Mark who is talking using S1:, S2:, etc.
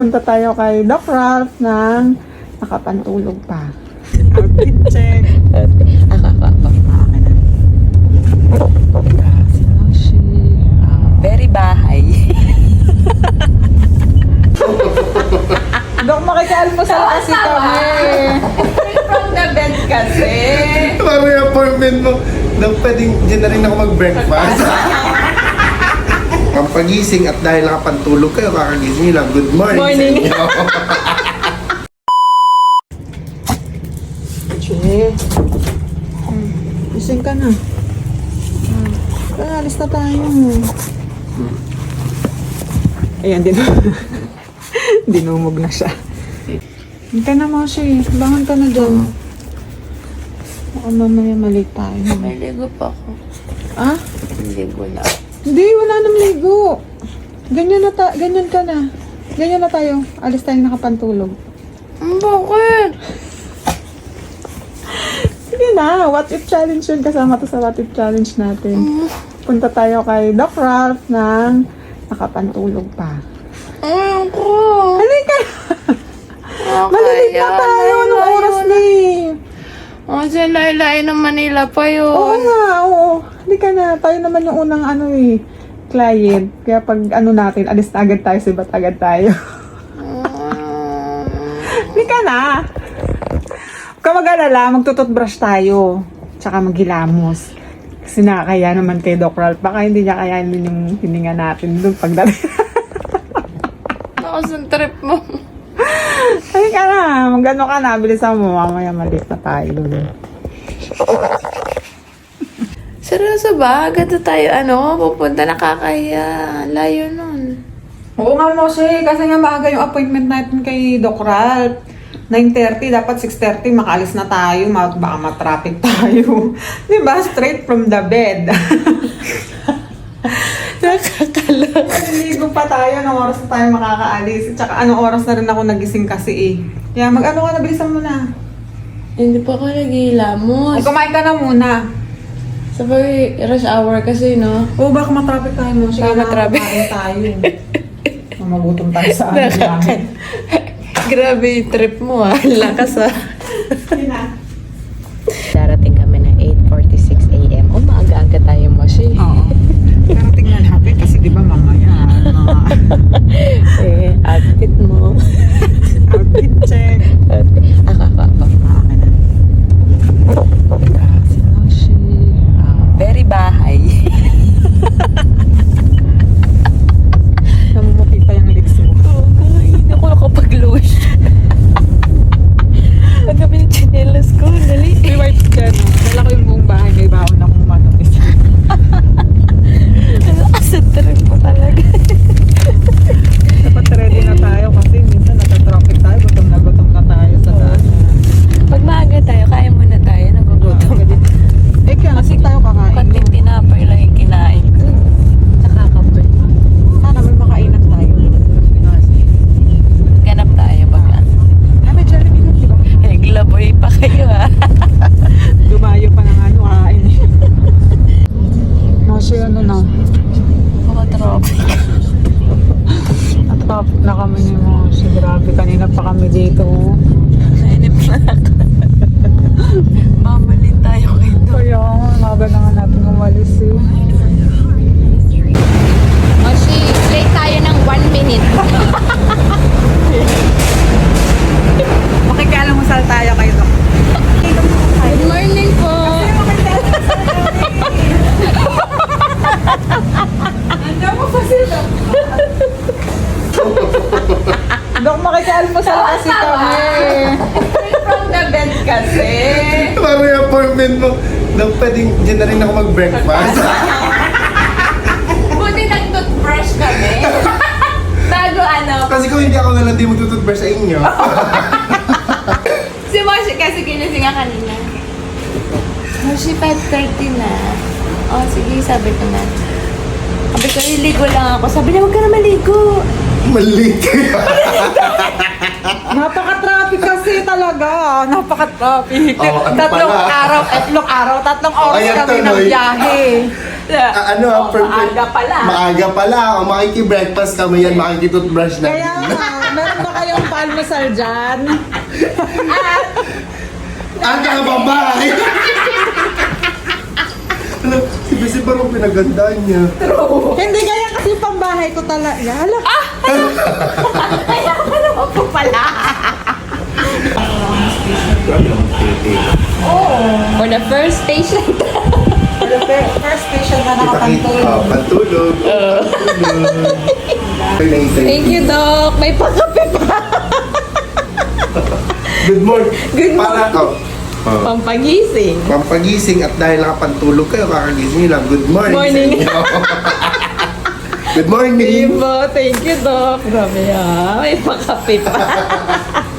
S1: Punta tayo kay Doc Ralph ng nakapantulog pa. Outfit check.
S2: Very bahay.
S1: Doc, makikialmusal kasi kami.
S2: From the bed kasi.
S3: Parang yung appointment mo, na pwedeng dyan na rin ako mag-breakfast. Ang pagising at dahil nakapantulog kayo, kakagising nyo lang, good morning.
S1: Morning.
S3: Sa inyo.
S1: Che. Gising ka na. Alis na tayo. Ayan, dinumog na siya. Hindi ka na, Moshi. Bangon ka na dyan. Baka mamaya mali tayo.
S2: May ligo pa ako.
S1: Ah?
S2: Ligo na.
S1: Hindi, wala nang ligo. Ganyan ka na. Ganyan na tayo. Alis tayong nakapantulog.
S2: Bakit?
S1: Sige na, what if challenge yun. Kasama to sa what if challenge natin. Punta tayo kay Doc Ralph ng nakapantulog pa.
S2: Ayoko.
S1: Halika! Malilig na tayo. Anong oras na eh?
S2: Kasi laylay ng Manila pa yun.
S1: Oo nga, oo. Halika na. Tayo naman yung unang client. Kaya pag natin, alis na agad tayo, sibat agad tayo. Halika na. Huwag ka mag-alala, magtututbrush tayo. Tsaka maghilamos. Kasi nakakaya naman kay Doc Ralph. Baka hindi niya kayanin yung hininga natin doon pagdating.
S2: Nakasang trip mo.
S1: Halika na. Mag-ano ka na. Bilisan mo. Mamaya malis na tayo.
S2: Seryoso ba? Agad na tayo, pupunta, nakakahiya. Layo nun.
S1: Oo nga, Moshe. Kasi nga maaga yung appointment natin kay Doc Ralph. 9:30, dapat 6:30 makaalis na tayo, baka matraffic tayo. Diba? Straight from the bed.
S2: Nakakalak.
S1: Naliligo pa tayo, anong oras na tayo makakaalis. Tsaka anong oras na rin ako nagising kasi eh. Kaya mag-ano ka na, bilisan mo na.
S2: Hindi pa ako naghihilamos.
S1: Ay, kumain ka na muna.
S2: Sabay, rush hour kasi, no?
S1: Oo, baka matraffic tayo mo. Sige,
S2: Baka matraffic.
S1: kumain tayo. Magutom tayo sa namin.
S2: Grabe yung trip mo, lakas
S1: Sige na.
S2: Darating kami na 8:46 a.m. Maaga-aga tayo mo siya.
S1: Oo. Pero tingnan natin kasi di ba mamaya.
S2: Outfit mo.
S1: Outfit check.
S2: Very bahay.
S1: Namumuti pa yung lips mo.
S2: Hindi ako nakapag-lush. Ang gabi ng chinelas ko. Dali.
S1: May white dyan. Dala ko yung buong bahay. May baon akong manupis.
S2: Asad trip mo talaga.
S1: Dapat ready na tayo kasi minsan nata-traffic tayo. Gutom na tayo sa daan.
S2: Pag maaga tayo, kaya muna tayo. Nagugutom.
S1: Eh kaya kasi tayo kakain.
S2: Konting tinapay lang yung kinain ko. Nakakapoy.
S1: Sana may makainan tayo.
S2: Ganap tayo pag
S1: Ay, may Jollibee na, di ba?
S2: naglaboy pa kayo
S1: Dumayo pa ng kain. Kasi na.
S2: Traffic.
S1: At-traffic na kami ni Mosi. Grabe, kanina pa kami dito.
S2: Nainip na ako. Mamalin tayo kayo doon.
S1: Kaya, maga na nga natin umalis eh.
S2: Moshi, late tayo ng 1 minute.
S1: Makikialamusal tayo kayo doon.
S2: Good morning po.
S1: Andiyan mo kasi doon. Dok, makikialamusal kasi kami.
S2: From the bed kasi.
S3: Parang yung appointment mo, na pwedeng dyan na rin ako mag-breakfast.
S2: Buti nag-toothbrush kami. Bago
S3: Kasi kung hindi ako na lang di magtututbrush sa inyo.
S2: Si Moshi kasi ginising nga kanina. Moshi, 5:30 na. Oh, sige, sabi ko na. Sabi ko, iligo lang ako. Sabi niya, huwag ka na maligo.
S3: Mali kayo.
S1: Napaka-traffic kasi talaga. Napaka-traffic.
S3: Oh, ano
S1: tatlong
S3: pala?
S1: araw, tatlong oras
S3: Ayan
S1: kami
S3: tuloy.
S1: ng biyahe.
S3: perfect.
S2: Maaga pala.
S3: Maaga pala. O makiki-breakfast kami yan, makiki-toothbrush na.
S1: Kaya nga, meron ba kayong palmasal dyan?
S3: Ang kakababay! Alam, si Bisi parang pinagandaan niya.
S1: Hindi, kaya kasi pambahay ko talaga. Hala,
S2: Kaya ka naman po pala. For the first patient.
S1: first patient na
S3: Pantulog. Pantulog.
S2: Thank you, Doc. May pakape pa.
S3: Good morning.
S2: Good
S3: Para,
S2: Pampagising.
S3: pampagising at dahil nakapantulog kayo, kakagising nyo lang. Good morning.
S2: Morning.
S3: sa inyo. Good morning.
S2: Thank you, Doc. Grabe ah. May pakape pa.